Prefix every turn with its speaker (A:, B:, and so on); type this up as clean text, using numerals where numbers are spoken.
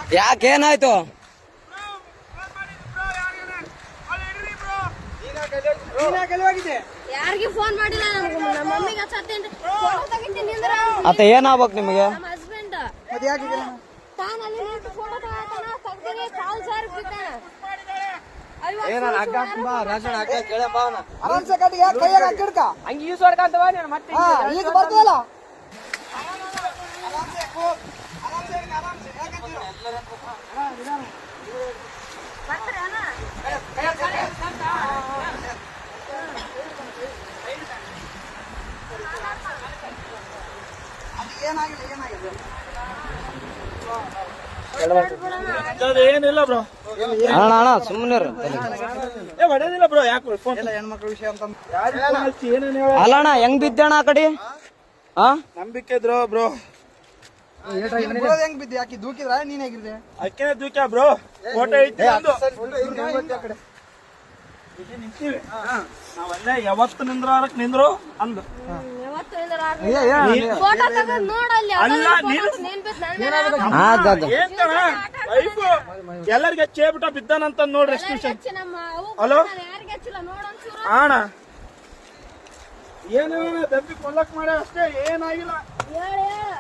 A: ಯಾಕೇನಾಯ್ತು?
B: ಯಾರಿಗೆ ಫೋನ್ ಮಾಡಿಲ್ಲ, ನಮ್ಮ ಮಮ್ಮಿಗೆ ಹಚ್ಚತ್ತೇನ್ರಿ. ಫೋಟೋ ತೆಗಿತೀನಿ ಅಂದ್ರೆ
A: ಅತ್ತ ಏನಾಗ್ಬೇಕು ನಿಮಗೆ?
B: ನಮ್ಮ ಹಸ್ಬೆಂಡ್ ತಾನಲ್ಲಿ ನಿಂತು ಫೋಟೋ ತಗೋತಾನ, ತೆಗ್ದಿರಿ ಕಾಲ್ ಸಾರ್ ಬಿದ್ದಾನ.
C: ಈಗ ಬರ್ತದಲ್ಲ
D: ಏನಿಲ್ಲ ಬ್ರೋ,
A: ಅಣ್ಣ ಸುಮ್ಮನೆ
D: ಹೊಡೆದಿಲ್ಲ ಬ್ರೋ. ಯಾಕೆ
C: ಹೆಣ್ಮಕ್ಳ ವಿಷಯ ಅಂತ
A: ಅಲ್ಲ ಅಣ್ಣ, ಹೆಂಗ್ ಬಿದ್ದಣ್ಣ ಆ ಕಡೆ?
D: ನಂಬಿಕೆ ಇದ್ರು ಬ್ರೋ.
C: ಹೆಂಗ್ ಬಿದ್ದೆ? ಯಾಕೆ ದೂಕಿದ್ರ ನೀನ್ ಹೇಗಿದ್ದೆ?
D: ಅಕ್ಕೇನೆ ದೂಕ್ಯ ಬ್ರೋ. ಫೋಟೋ ಐತಿ ನಿಂತೀವಿ ನಾವಲ್ಲೇ. ಯಾವತ್ತು ನಿಂದ್ರು ಅಂದು
B: ಫೋಟೋ ತೆಗೆದು ನೋಡಲ್ಲಿ
D: ಅಲ್ಲ ಎಲ್ಲರಿಗೆ ಚೇಬಿಟ ಬಿದ್ದಾನಂತ ನೋಡ್ರಿ. ಹಲೋ ಅಣ್ಣ, ಏನ ದಬ್ಬಿ ಕೊಲ್ಲಕ್ ಮಾಡ ಅಷ್ಟೇ, ಏನಾಗಿಲ್ಲ.